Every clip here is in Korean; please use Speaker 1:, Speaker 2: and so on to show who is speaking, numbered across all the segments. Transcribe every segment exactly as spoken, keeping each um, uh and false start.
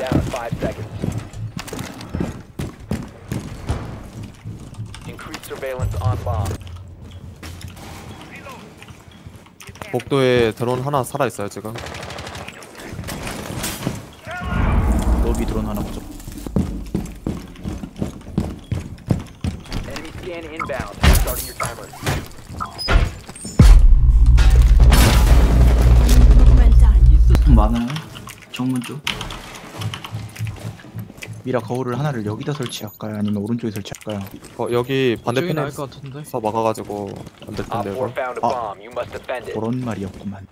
Speaker 1: down in five seconds. Increased surveillance on bomb.
Speaker 2: 복도에 드론 하나 살아있어요 지금.
Speaker 3: 로비 드론 하나 보죠.
Speaker 1: Enemy scan inbound. Starting your timer.
Speaker 4: 있었으면 많아요. 정문 쪽.
Speaker 3: 미라 거울을 하나를 여기다 설치할까요? 아니면 오른쪽에 설치할까요?
Speaker 2: 어, 여기 반대편에
Speaker 5: 나을 것 같은데.
Speaker 2: 서 막아가지고 안 될
Speaker 1: Op
Speaker 2: 텐데
Speaker 1: four
Speaker 2: 이거.
Speaker 1: found a
Speaker 3: Ah.
Speaker 1: bomb. You must defend it.
Speaker 3: 그런 말이었구만.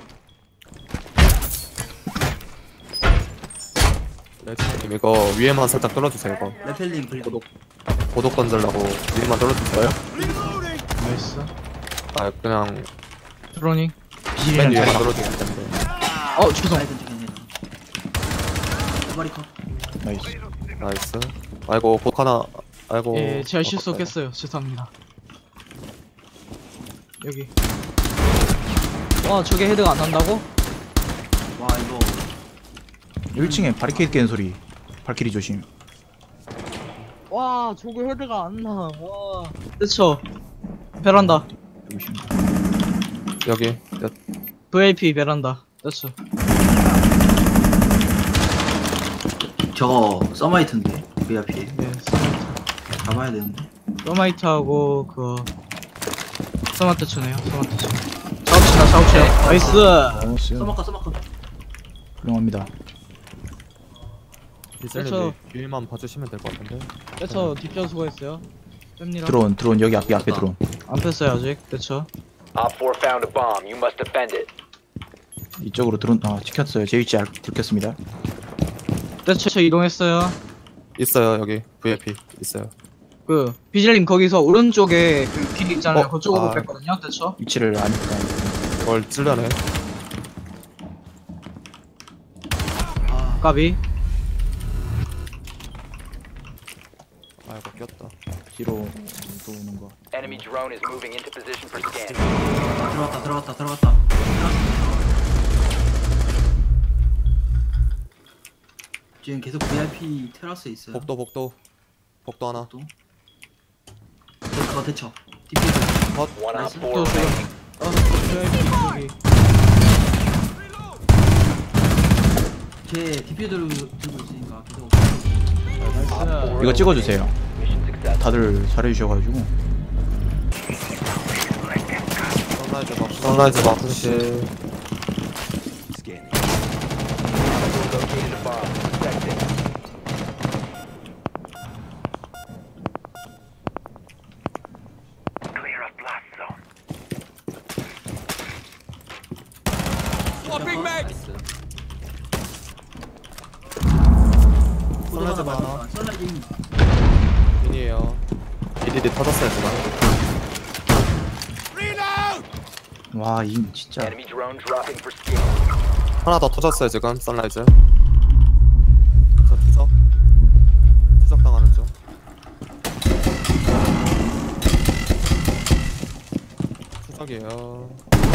Speaker 2: 레드님 이거 위에만 살짝 뚫어주세요 이거.
Speaker 4: 레펠링 불.
Speaker 2: 고독 고독 던질라고 위에만 뚫어주세요.
Speaker 5: 나이스.
Speaker 2: 아 그냥
Speaker 5: 드로닝.
Speaker 2: 맨
Speaker 3: 비질이랑
Speaker 2: 위에만
Speaker 3: 자리
Speaker 2: 뚫어주실 텐데.
Speaker 5: 어 죄송.
Speaker 4: 아이든 중에 두 마리 컷.
Speaker 3: 나이스.
Speaker 2: 나이스. 아이고 복 하나. 아이고.
Speaker 5: 예, 제가
Speaker 2: 아깝다.
Speaker 5: 실수했어요. 죄송합니다. 여기. 와, 저게 헤드가 안 난다고?
Speaker 4: 와 이거
Speaker 3: 일 층에 바리케이드 깨는 소리. 발키리 조심.
Speaker 5: 와, 저게 헤드가 안 나. 와. 그쵸. 베란다.
Speaker 3: 조심.
Speaker 2: 여기.
Speaker 5: 브이아이피 베란다. 그쵸.
Speaker 4: 저거 서마이트인데 브이아이피
Speaker 5: 예, 서마이트.
Speaker 4: 잡아야 되는데.
Speaker 5: 서마이트하고 그거 서마트 추네요. 서마트 추. 작업치다, 작업치. 나이스.
Speaker 3: 나이스.
Speaker 4: 서마카 서마카.
Speaker 3: 훌륭합니다.
Speaker 2: 비셀님
Speaker 5: 그렇죠.
Speaker 2: 위에만 봐주시면 될 것 같은데.
Speaker 5: 그쵸. 뒷전 수고했어요. 뺍니다.
Speaker 3: 드론 드론 여기 앞에 앞에 드론.
Speaker 5: 안 뺐어요 아직. 그쵸.
Speaker 1: Op four found a bomb. You must defend it.
Speaker 3: 이쪽으로 드론 아 지켰어요. 제 위치 알 들켰습니다.
Speaker 5: 그쵸. 이동했어요.
Speaker 2: 있어요 여기 브이아이피 있어요.
Speaker 5: 그 비질님 거기서 오른쪽에 그 길 있잖아요.
Speaker 2: 어?
Speaker 5: 그쪽으로
Speaker 2: 아.
Speaker 5: 뺐거든요. 그쵸.
Speaker 3: 위치를 아니까.
Speaker 2: 이걸 찔러내.
Speaker 4: 아
Speaker 5: 까비.
Speaker 2: 아이고 꼈다.
Speaker 3: 뒤로 또 오는 거.
Speaker 1: Enemy drone is moving into position for scan.
Speaker 4: 들어갔다 들어갔다 들어갔다. 지금 계속 브이아이피 테라스에 있어요.
Speaker 2: 복도 복도 복도 하나.
Speaker 4: 또. 그거 대처. 디피즈.
Speaker 1: One op
Speaker 4: Nice.
Speaker 1: four
Speaker 5: 또
Speaker 1: remaining.
Speaker 5: 어, 저기
Speaker 4: 제 디피즈를 들고 있으니까 계속.
Speaker 5: 나이스.
Speaker 3: 이거 찍어주세요.
Speaker 1: Mission success.
Speaker 3: 다들 잘해주셔가지고.
Speaker 2: 선라이즈 막 선라이즈 마크시.
Speaker 1: Located a bomb. Protect it. Clear of blast zone.
Speaker 4: 선라이즈 많아. 선라이즈 인.
Speaker 2: 핀이에요. 비디디 터졌어요 지금.
Speaker 3: 와, 이 진짜.
Speaker 1: Enemy drone dropping for scan.
Speaker 2: 하나 더 터졌어요 지금 선라이즈. 저 투적. 투적 당하는 중. 투적이에요.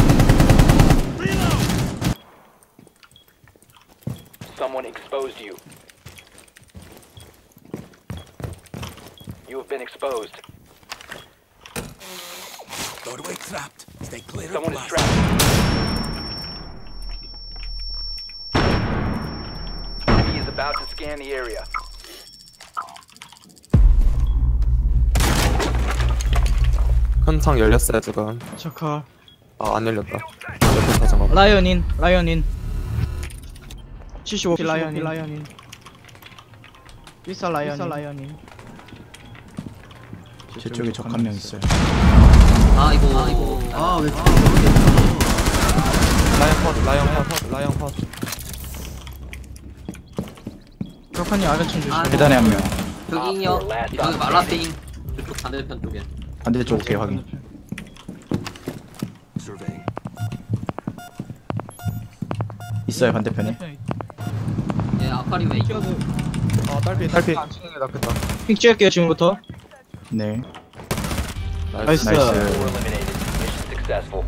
Speaker 1: Someone exposed you. You have been exposed.
Speaker 6: Doorway trapped. Stay clear
Speaker 1: Someone
Speaker 6: of
Speaker 1: is
Speaker 6: blast.
Speaker 1: trapped. Enemy is about to scan the area.
Speaker 2: 큰 창 열렸어요 지금.
Speaker 5: 저카.
Speaker 2: 아 안 열렸다. 옆에 터진 거.
Speaker 5: 라이언인, 라이언인. 칠십오 킬 라이언인, 라이언인. 비싸 라이언인, 비싸 라이언인.
Speaker 3: 제 쪽에 적 한 명 있어요.
Speaker 4: 아 이거 아 이거 아왜
Speaker 2: 라이언 컷, 라이언 컷, 라이언 컷.
Speaker 5: 그렇군요. 아래층 조심.
Speaker 4: 아,
Speaker 3: 계단에 한 명.
Speaker 7: 여기요. 여기 말라페인 저쪽 반대편 쪽에.
Speaker 3: 반대쪽 오케이 확인.
Speaker 6: Surveying.
Speaker 3: 있어요 반대편에.
Speaker 7: 예, 아쿠아리움 웨이.
Speaker 2: 아 딸피 딸피.
Speaker 5: 안 치는 게 낫겠다. 픽 찍을게요 지금부터.
Speaker 3: 네.
Speaker 5: 나이스.
Speaker 3: 나이스.
Speaker 1: Four eliminated. Mission successful.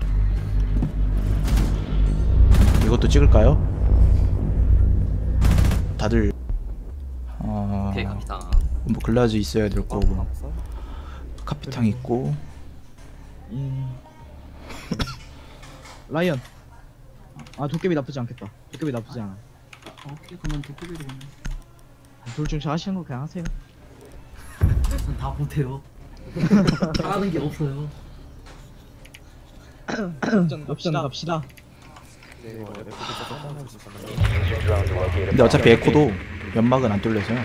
Speaker 3: 이것도 찍을까요? 다들 어...
Speaker 7: 오케이 갑니다.
Speaker 3: 뭐 글라즈 있어야 될 거고
Speaker 2: 없어?
Speaker 3: 카피탕 있고
Speaker 5: 음. 라이언. 아 도깨비 나쁘지 않겠다. 도깨비 나쁘지 않아.
Speaker 4: 아, 오케이 그러면 도깨비로 그냥.
Speaker 5: 둘 중 잘하시는 거 그냥 하세요.
Speaker 4: 전다 못해요. 잘하는 게 없어요.
Speaker 5: 갑시다 갑시다.
Speaker 2: 네, 이거 에피소드 조금만 해주시면
Speaker 6: Use your drone to locate a
Speaker 3: 근데 어차피
Speaker 6: bomb.
Speaker 3: 에코도 연막은 안 뚫려서요.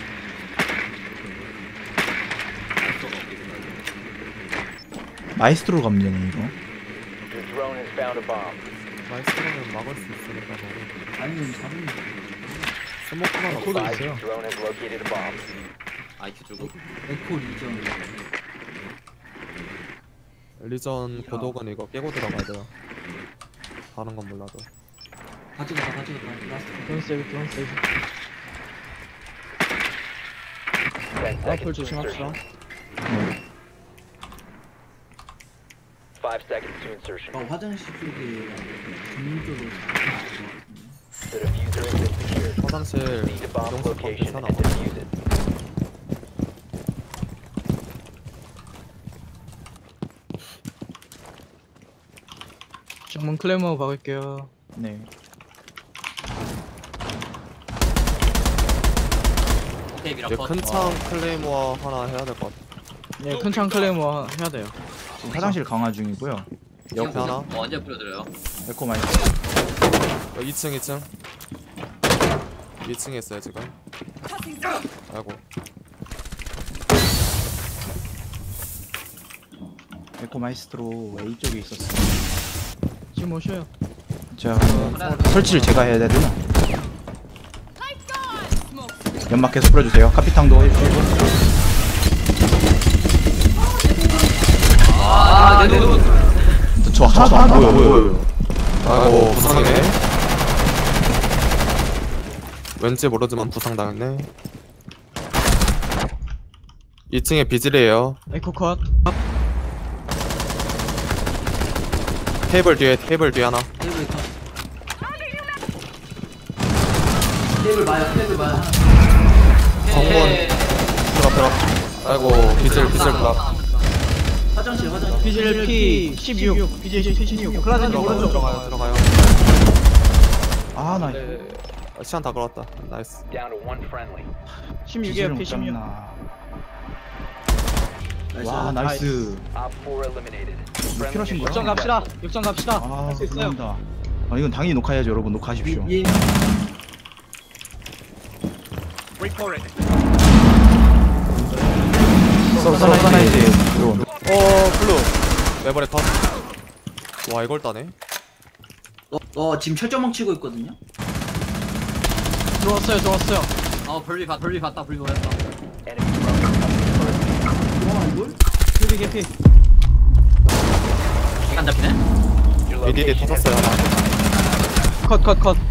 Speaker 3: 마이스트로 가면 되네 이거.
Speaker 6: Your drone has found a bomb.
Speaker 2: 마이스터는 막을 수 있으니까 뭐
Speaker 4: 아니면 잡으면
Speaker 2: 스모크만 없어.
Speaker 5: 코드
Speaker 6: Five,
Speaker 5: 있어요.
Speaker 6: your drone has located a bomb.
Speaker 7: 아이큐 주고.
Speaker 4: 에코 리전.
Speaker 2: 리전 고독은 이거 깨고 들어가야 돼요. 다른 건 몰라도.
Speaker 4: 다 찍었다 다 찍었다. 라스트.
Speaker 5: 드론 세이브 드론 세이브.
Speaker 6: Ten
Speaker 5: 앞을
Speaker 6: seconds to
Speaker 5: 조심합시다.
Speaker 6: insertion. Five seconds to insertion.
Speaker 4: 어, 화장실 쪽에 전문적으로
Speaker 6: The diffuser has been secured.
Speaker 2: 화장실
Speaker 6: Proceed to bomb
Speaker 2: 이동수
Speaker 6: location
Speaker 2: 괜찮아.
Speaker 6: and defuse it.
Speaker 5: 정문 클레머 박을게요.
Speaker 3: 네.
Speaker 7: 오케이
Speaker 2: 이제
Speaker 7: 미라컷.
Speaker 2: 큰창 클레이모어 하나 해야 될 것 같아.
Speaker 5: 네, 큰창 클레머 해야 돼요.
Speaker 3: 지금 화장실 강화 중이고요.
Speaker 2: 옆에 하나.
Speaker 7: 뭐 언제 뿌려드려요?
Speaker 3: 에코 마이스트로.
Speaker 2: 어, 이 층 이 층 이 층에 있어요 지금. 아이고.
Speaker 3: 에코 마이스트로 A 쪽에 있었어요.
Speaker 5: 지금 오셔요.
Speaker 3: 자 설치를 제가 해야 되나? 연막 계속 뿌려주세요. 카피탕도 해주시고.
Speaker 7: 아, 네, 네, 네.
Speaker 3: 저 하나도 안 보여 보여.
Speaker 2: 아이고 부상이네. 왠지 모르지만 부상당했네. 이 층에 비질이에요.
Speaker 5: 에코 컷.
Speaker 2: 테이블 뒤에 테이블 뒤에 하나.
Speaker 4: 테이블 터. 테이블 봐요. 테이블 봐요.
Speaker 2: 정문 들어 들어. 아이고 비질 비질 블락.
Speaker 4: 화장실 화장실.
Speaker 5: 비질 P 십육. 비질 P 십육. 클라젠 오른쪽.
Speaker 2: 들어가요 들어가요.
Speaker 3: 아 나.
Speaker 2: 네. 아, 시간 다 걸었다. 나이스.
Speaker 6: Down to one friendly.
Speaker 5: 십육이에요. P 십육.
Speaker 3: 와 나이스.
Speaker 6: Op four eliminated.
Speaker 3: 뭐 필요하신 거야?
Speaker 5: 역전 갑시다. 역전 갑시다.
Speaker 3: 아
Speaker 5: 할 수 있어요.
Speaker 3: 감사합니다. 아 이건 당연히 녹화해야죠 여러분. 녹화하십시오.
Speaker 4: 예.
Speaker 3: 서서라이즈 드론.
Speaker 2: 어 블루. 레버레 컷. 와 이걸 따네.
Speaker 4: 어, 어 지금 철조망 치고 있거든요.
Speaker 5: 들어왔어요. 들어왔어요.
Speaker 7: 어 불비 봤 불비 봤다 불비 보였다.
Speaker 6: Enemy drone.
Speaker 4: 와 이걸?
Speaker 5: 개피 개피.
Speaker 7: 시간 잡히네?
Speaker 6: Your
Speaker 2: 미디디
Speaker 6: location has
Speaker 2: 터졌어요
Speaker 6: been
Speaker 2: 하나.
Speaker 5: 컷 컷 컷.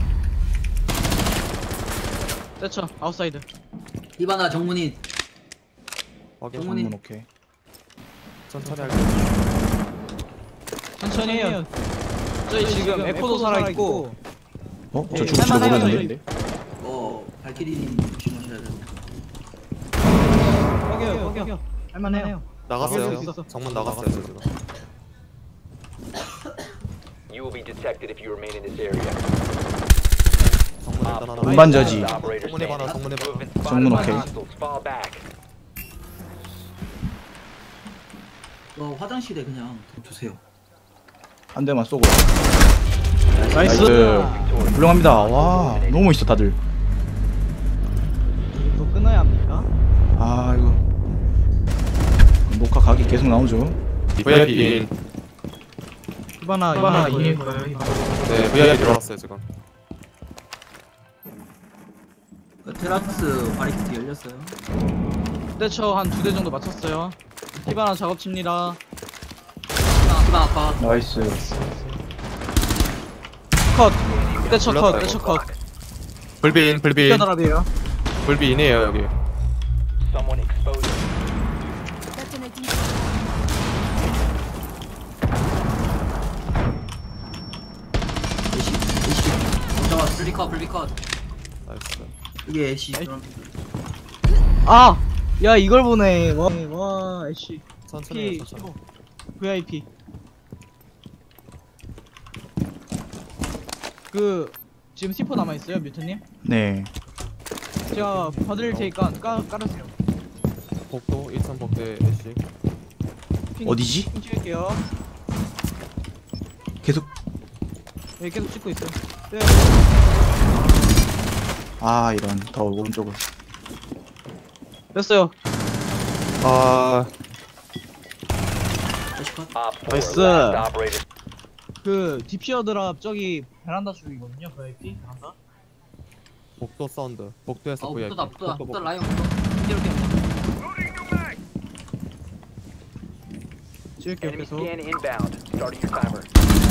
Speaker 5: 됐죠. 아웃사이드.
Speaker 4: 이바나 정문이
Speaker 2: 확인.
Speaker 4: 정문이-
Speaker 3: 정문 오케이.
Speaker 2: 천천히 할게.
Speaker 5: 천천히 해요. 저희 지금 에코도 살아있고
Speaker 3: 어?
Speaker 5: 네,
Speaker 3: 저 죽을지도
Speaker 5: 할만해요,
Speaker 3: 모르는데.
Speaker 4: 어 발키리님 조심하셔야 돼요.
Speaker 5: 여기요 여기요. 할만해요.
Speaker 2: 나갔어요.
Speaker 5: 여기 있어.
Speaker 2: 정문 나갔어요 저 지금.
Speaker 6: You will be detected if you remain in this area.
Speaker 2: 정문 일단 하나.
Speaker 3: 운반자지.
Speaker 6: Operator
Speaker 2: 정문에 하나
Speaker 6: standing.
Speaker 2: 정문에
Speaker 6: You have been
Speaker 3: 정문
Speaker 6: spotted by
Speaker 3: 오케이.
Speaker 6: hostiles. Fall back.
Speaker 4: 어 화장실에 그냥 두세요.
Speaker 3: 한 대만 쏘고.
Speaker 5: 나이스.
Speaker 3: 훌륭합니다. 와 너무 멋있어 다들.
Speaker 5: 또 끊어야 합니까?
Speaker 3: 아 이거 녹화 각이 계속 나오죠.
Speaker 2: 브이아이피 인.
Speaker 5: 히바나
Speaker 2: 히바나
Speaker 5: 히바나
Speaker 2: 인.
Speaker 5: 거예요. 히바나.
Speaker 2: 네 브이아이피 들어왔어요 지금.
Speaker 4: 그 테라스 바리케이트 열렸어요.
Speaker 5: 대처 한 두 대 정도 맞췄어요. 히바나 작업칩니다.
Speaker 7: 시간 컷.
Speaker 3: 나이스.
Speaker 5: 컷. 대처 컷.
Speaker 2: 불렀다,
Speaker 5: 대처
Speaker 2: 이거.
Speaker 5: 컷.
Speaker 2: 불비인 불비인
Speaker 5: 히바나랍이에요.
Speaker 2: 불비인이에요 여기.
Speaker 6: Someone exposed.
Speaker 4: 에이씨 에이씨. 못 잡았어.
Speaker 7: 불비 컷 불비 컷.
Speaker 2: 나이스.
Speaker 4: 이게 애쉬 그럼
Speaker 5: 아! 야 이걸 보네. 와, 와 애쉬
Speaker 2: 천천히 해,
Speaker 5: P
Speaker 2: 천천히.
Speaker 5: 브이아이피. 그 지금 씨포 남아있어요 뮤트님?
Speaker 3: 네.
Speaker 5: 제가 받을 테니까 깔, 깔으세요.
Speaker 2: 복도 이 층 복도에 애쉬.
Speaker 5: 핑,
Speaker 3: 어디지?
Speaker 5: 핑 찍을게요.
Speaker 3: 계속.
Speaker 5: 여기 계속 찍고 있어요. 네.
Speaker 3: 아 이런 더 오른쪽을.
Speaker 5: 됐어요.
Speaker 2: 아
Speaker 4: 애쉬 컷.
Speaker 6: Op four,
Speaker 5: 나이스.
Speaker 6: last operator.
Speaker 5: 그 디피어 드랍 저기 베란다 쪽이거든요. 브이아이피 베란다.
Speaker 2: 복도 사운드. 복도에서
Speaker 7: 어
Speaker 2: 브이아이피.
Speaker 7: 붙다 붙다
Speaker 2: 복도,
Speaker 7: 붙다
Speaker 2: 복도.
Speaker 7: 라이온 붙다 이렇게
Speaker 5: 찍을게요
Speaker 1: Enemy
Speaker 5: 계속.
Speaker 1: scan inbound. Starting your timer.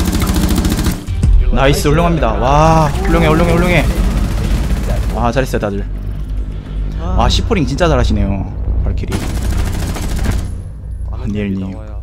Speaker 3: 나이스 훌륭합니다. 와 훌륭해 훌륭해 훌륭해. 와 잘했어요 다들.
Speaker 5: 아,
Speaker 3: 와 시포링 진짜 잘하시네요 발키리.
Speaker 2: 아는
Speaker 3: 니엘님.
Speaker 2: 얘기 나와요.